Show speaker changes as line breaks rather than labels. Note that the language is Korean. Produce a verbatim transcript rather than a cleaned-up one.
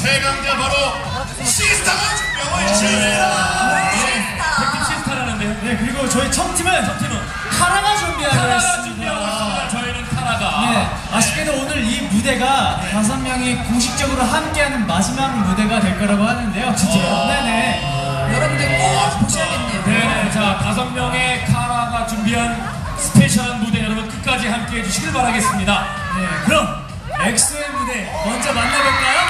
최강자 바로 시스타가 준비하고 있습니다.
백팀 시스타라는데요.
네, 그리고 저희 첫 팀은 첫 팀은 카라가 준비하고
카라가
있습니다.
준비하고 있습니다. 저희는 카라가.
네, 아쉽게도 오늘 이 무대가 네. 다섯 명이 공식적으로 함께하는 마지막 무대가 될 거라고 하는데요. 진짜요? 네네.
여러분들 꼭 보셔야겠네요.
네, 자 다섯 명의 카라가 준비한 스페셜한 무대 여러분 끝까지 함께해 주시길 바라겠습니다.
네, 그럼 엑소의 무대 먼저 만나볼까요?